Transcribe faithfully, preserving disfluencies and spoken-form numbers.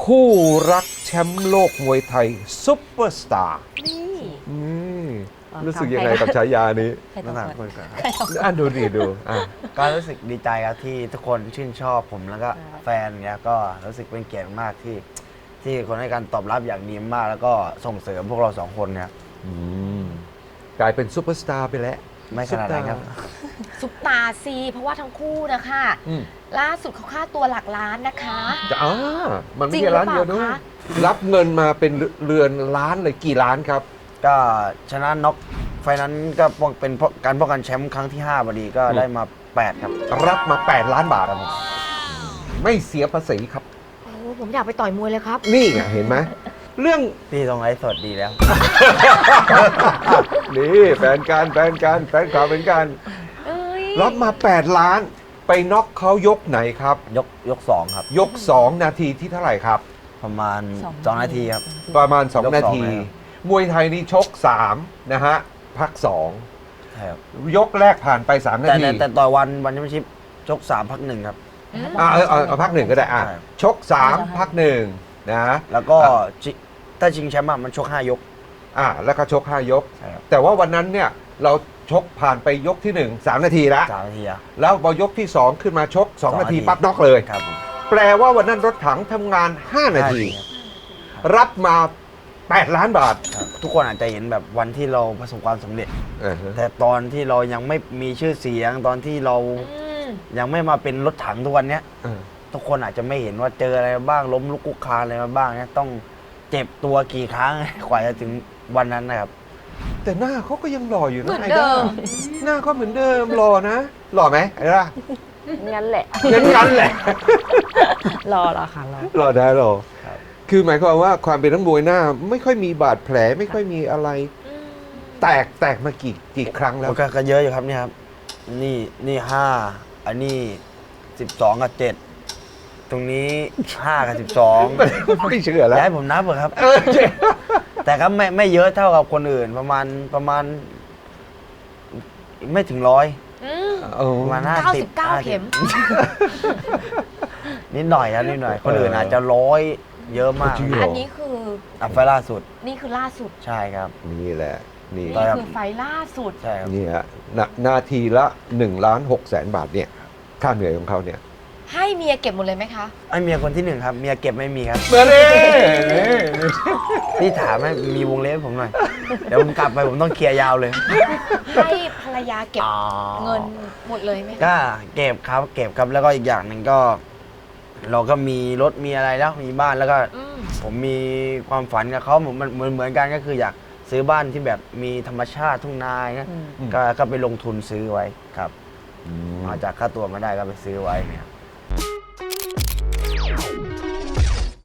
คู่รักแชมป์โลกมวยไทยซุปเปอร์สตาร์นี่อืมอ๋อรู้สึกทำยังไงใครกับฉายานี้ใครต้นั่องนแหละสคุวยยกันอ่ะดูดิดูอ่ะก็รู้สึกดีใจครับที่ทุกคนชื่นชอบผมแล้วก็ใช่แฟนเนี้ยก็รู้สึกเป็นเกียรติมากที่ที่คนให้การตอบรับอย่างดีมาก แล้วก็ส่งเสริมพวกเราสองคนเนี่ยอืมกลายเป็นซุปเปอร์สตาร์ไปแล้วไม่ขนาดนั้นครับซุปตาซีเพราะว่าทั้งคู่นะคะอืมล่าสุดเขาค่าตัวหลักล้านนะคะจะอ่ามันไม่จริงใช่ร้านหรือเดียวเปด้วล่าย คะรับเงินมาเป็นเรือนล้านเลยกี่ล้านครับก็ชนะน็อกไฟนั้นก็ป้องเป็นการป้องกันแชมป์ครั้งที่ห้าพอดีก็อืมได้มาแปดครับรับมา แปด ล้านบาทครับผมไม่เสียภาษีครับโอ้ผมอยากไปต่อยมวยเลยครับนี่ไงเห็นไหมเรื่องพี่ตรงไลฟ์สดดีแล้วนี่แฟนการแฟนการแฟนข่าวเป็นการเอ้ยรับมา แปด ล้าน ไปน็อกเขายกไหนครับยกยกสองครับยก สอง นาทีที่เท่าไหร่ครับประมาณสองสองนาทีครับประมาณ สองยกสองนาทีนะครับมวยไทยนี่ชก สาม นะฮะ พัก สองใช่ครับยกแรกผ่านไป สาม นาแต่ทีแต่แต่ต่อยวันวันแชมเปี้ยนชิพชกสามพักหนึ่งครับอืมอ่ะเอาเอาเอาพักหนึ่งก็ได้อ่ะใช่ชก สาม พักหนึ่งนะแล้วก็อ่ะชิถ้าชิงแชมป์อะมันชกห้ายกอ่ะแล้วก็ชก ห้า ยกใช่ครับแต่ว่าวันนั้นเนี่ยเราชกผ่านไปยกที่หนึ่ง สาม นาทีแล้วสามนาทีอะแล้วพอยกที่ สอง ขึ้นมาชก สองสองนาทีนาทีปั๊บน็อกเลยครับผมแปลว่าวันนั้นรถถังทำงาน ห้า นาทีครับรับมา แปด ล้านบาทครับทุกคนอาจจะเห็นแบบวันที่เราประสบความสำเร็จเออฮะแต่ตอนที่เรายังไม่มีชื่อเสียง ตอนที่เราอืมยังไม่มาเป็นรถถังทุกวันเนี้ยเออทุกคนอาจจะไม่เห็นว่าเจออะไรมาบ้างล้มลุกคลุกคลานอะไรมาบ้างเนี่ยต้องเจ็บตัวกี่ครั้ง กว่าจะถึงวันนั้นนะครับแต่หน้าเขาก็ยังหล่ออยู่เหมืนะอนไอ้เดิด้าม หน้าเขาเหมือนเดิมหล่อนะ หล่อไหมไอ้ด้างั้นแหละงั้นงั้นแหละรอรอค่ะรอหล่อได้หล่อครับคือหมายความว่าความเป็นนักมวยหน้า ไม่ค่อยมีบาดแผลไม่ค่อยมีอะไรอืมแตกแตกมากี่กี่ครั้งแล้วมันก็ก็เยอะอยู่ครับเนี่ยครับ นี่นี่ห้าอันนี้สิบสองกับเจ็ดตรงนี้ห้ากับสิบสองไม่เชื่อแล้วย้ายผมนับเหรอครับเออเจ๊แต่ก็ไม่ไม่เยอะเท่ากับคนอื่นประมาณประมาณ ไม่ถึงร้อยอืมเออประมาณห้าเก้าสิสิบบเก้าเข็มนิดหน่อยครับนิดหน่อย คนอื่นอาจจะร้อยเยอะมากจริงเหรอันนี้คืออ่ะไฟล่าสุดนี่คือล่าสุดใช่ครับนี่แหละ นี่นี่ต่อยครับคือไฟล์ล่าสุดใช่ครับนี่ฮะนานาทีละ1ล้าน6แสนบาทเนี่ย ค่าเหนื่อยของเขาเนี่ยให้เมียเก็บหมดเลยไหมคะไอเมียคนที่หนึ่งครับ เมียเก็บไม่มีครับเมื่อนี้พี่ถามให้มีวงเล็บให้ผมหน่อย เดี๋ยวผมกลับไปผมต้องเคลียร์ยาวเลยให้ภรรยาเก็บอ๋อเงินหมดเลยไหมคะก็เก็บครับ เก็บครับแล้วก็อีกอย่างหนึ่งก็ เราก็มีรถมีอะไรแล้วมีบ้านแล้วก็อืมผมมีความฝันกับเขาเหมือนเหมือนเหมือนกันก็คืออยากซื้อบ้านที่แบบมีธรรมชาติทุ่งนาอย่างเงี้ยอืมอืมก็ก็ไปลงทุนซื้อไว้ครับมาจากค่าตัวมาได้ก็ไปซื้อไว้เนี่ย